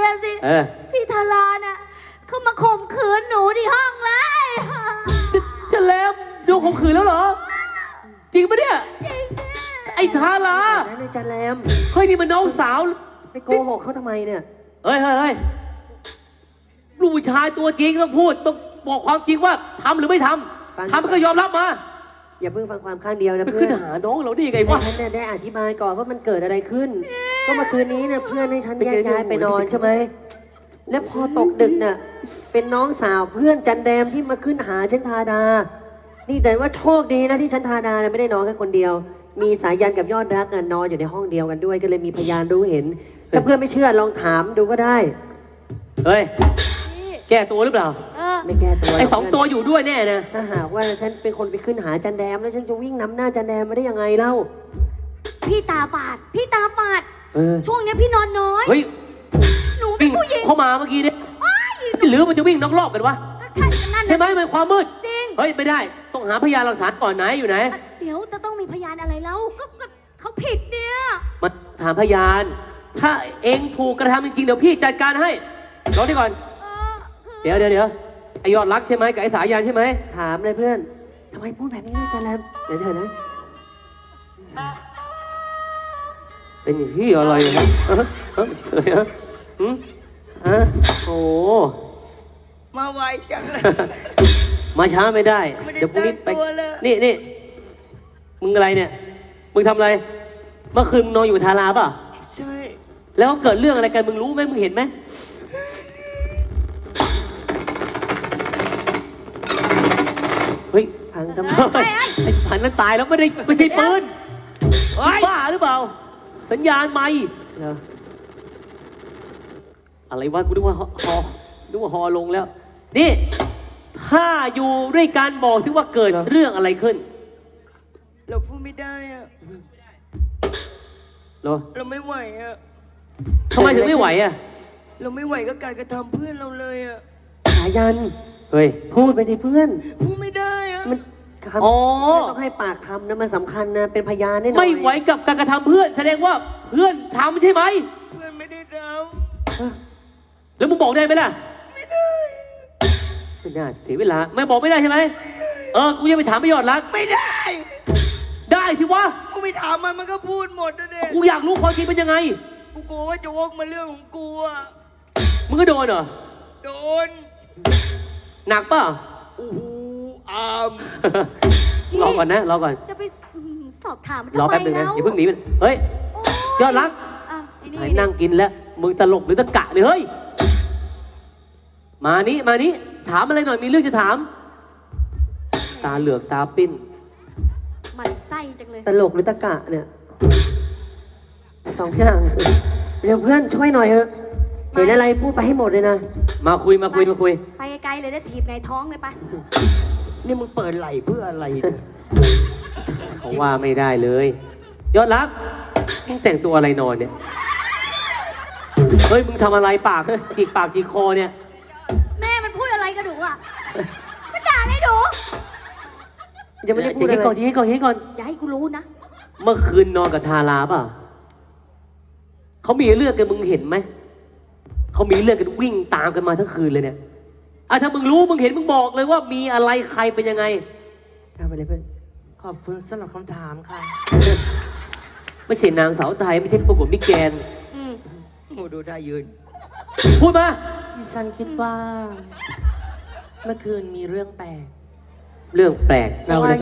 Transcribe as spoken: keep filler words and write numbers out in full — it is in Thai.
อะสิเออพี่ทาราน่ะเขามาข่มขืนหนูที่ห้องเลยจะแล้วโดนข่มขืนแล้วเหรอจริงปะเนี่ยไอ้ทารานั่นอาจารย์แรมเฮ้ยนี่มันน้องสาวไปโกหกเขาทำไมเนี่ยเฮ้ยเฮ้ยเฮ้ยลูกผู้ชายตัวจริงต้องพูดต้องบอกความจริงว่าทำหรือไม่ทำทำก็ยอมรับมาอย่าเพิ่งฟังความข้างเดียวนะไปเพื่ขึ้อน นหาน้องเราได้ยังไงวะฉันเนี่ยได้อธิบายก่อนว่ามันเกิดอะไรขึ้น ก็เมื่อคืนนี้เนี่ยเพื่อนให้ฉันแยกย้ายไปนอนใช่ไหมแล้วพอตกดึกเนี่ยเป็นน้องสาวเพื่อนจันแดมที่มาขึ้นหาฉันทาดา นี่แต่ว่าโชคดีนะที่ฉันทาดาเนี่ยไม่ได้นอนแค่คนเดียว มีสายันกับยอดรักน่ะนอนอยู่ในห้องเดียวกันด้วยก็เลยมีพยานรู้เห็น ถ้าเพื่อนไม่เชื่อลองถามดูก็ได้เฮ้ยแก้ตัวหรือเปล่าเออไม่แก้ตัวไอ้สองตัวอยู่ด้วยแน่นะถ้าหากว่าฉันเป็นคนไปขึ้นหาจันแดมแล้วฉันจะวิ่งนำหน้าจันแดมมาได้ยังไงเล่าพี่ตาฝาดพี่ตาฝาดเออช่วงเนี้ยพี่นอนน้อยเฮ้ยหนูเป็นวิ่งผู้หญิงเข้ามาเมื่อกี้เนี่ยอ้ายหนูหรือมันจะวิ่งนอกรอบกันวะก็ใช่กันนั่นใช่ไหมนะมันความมืดจริงเฮ้ยไม่ได้ ต้องหาพยานหลักฐานก่อนไหนอยู่ไหนเดี๋ยวจะต้องมีพยานอะไรแล้วก็ก็เขาผิดเนี่ยมาถามพยาน ถ้าเองถูกกระทำจริงๆเดี๋ยวพี่จัดการให้รอที่ก่อนเออคือเดี๋ยวเดี๋ยวเดี๋ยวไอยอดรักใช่ไหมกับไอสายันใช่ไหมถามเลยเพื่อนทำไมพูดแบบนี้ด้วยจันแดมเดี๋ยวเถอะนะเป็นอย่างที่อะไรนะเออเออเฉยฮะอืมฮะโอ้มาไวจังเลยมาช้าไม่ได้ไม่ได้เดี๋ยวพรุ่งนี้ไปตั้งตัวเลยนี่นี่มึงอะไรเนี่ย มึงทำอะไร เมื่อคืนมึงนอนอยู่ทาราป่ะใช่แล้วเกิดเรื่องอะไรกันมึงรู้ไหมมึงเห็นไหมเฮ้ยพังสมเอออง ไปไอ้ไอ้ผันนั้นตายแล้วไม่ได้ไม่ใช่ปืนเฮ้ยบ้าหรือเปล่า สัญญาณไม่เหรออะไรวะกูนึกว่าฮอฮอนึกว่าฮอลงแล้ว นี่ ถ้าอยู่ด้วยกันบอกสิว่าเกิดเรื่องอะไรขึ้นเราพูดไม่ได้อะเหรอเราไม่ไหวอะทำไมถึงไม่ไหวอ่ะเราไม่ไหวกับการกระทำเพื่อนเราเลยอะสายันเฮ้ยพูดไปสิเพื่อนพูดไม่ได้อะมันคำอ๋อต้องให้ปากคำนะมันสำคัญนะเป็นพยานได้หน่อยไม่ไหวกับการกระทำเพื่อน แสดงว่าเพื่อนทำใช่ไหมเพื่อนไม่ได้ทเออแล้วมึงบอกได้ไหมล่ะำไม่ได้ไม่น่าเสียเวลา ไม่บอกไม่ได้ใช่ไหม เออ กูจะไปถามประโยชน์รักไม่ได้ได้ที่วะกูไปถามมันมันก็พูดหมดนะเด็กกูอยากรู้ความจริงเป็นยังไงกูกลัวว่าจะวกมาเรื่องของกูอะมึงก็โดนเหรอโดนหนักเปล่ะโอ้โหอามรอก่อนนะ รอก่อนจะไปสอบถามมันรอทำไมแป๊บนึงนะแล้วอย่าเพิ่งหนีมันเฮ้ยโยอดรักอ่ะไอ้นี่ไอ้นั่งกินแล้ว มึงตลกหรือตะกะเนี่ยเฮ้ย มานี้มานี้ถามอะไรหน่อย มีเรื่องจะถาม ตาเหลือกตาปิ้นหมันไส้จังเลยตลกหรือตะกะเนี่ยสองอย่างเดี๋ยวเพื่อนช่วยหน่อยเถอะเห็นอะไรพูดไปให้หมดเลยนะมาคุยมาคุยมาคุยไปไกลๆเลยได้ถีบในท้องเลยไปนี่มึงเปิดไหลเพื่ออะไรเนี่ยเขาว่าไม่ได้เลย ยอดรักมึงแต่งตัวอะไรนอนเนี่ย เฮ้ย มึงทำอะไรปากจิกปากจิกคอเนี่ยแม่มันพูดอะไรกับหนูอ่ะมันด่าเลยหนูยังไม่ได้พูดเดี๋อะยวไรให้ก่อนเดี๋ยวให้ก่อนอย่าให้กูรู้นะเมื่อคืนนอนกับทาราป่ะเขามีเรื่องกันมึงเห็นไหม เขามีเรื่องกันวิ่งตามกันมาทั้งคืนเลยเนี่ยอ่ะถ้ามึงรู้มึงเห็นมึงบอกเลยว่ามีอะไรใครเป็นยังไงทำไปเลยเพื่อนขอบคุณสำหรับคำถามค่ะไม่ใช่นางสาวไทยไม่ใช่ประกวดมิสแกรนด์อืมโอ้ดูได้ยืนพูดมาดิฉันคิดว่า เมื่อคืนมีเรื่องแปลกเรื่องแปลกเราเลย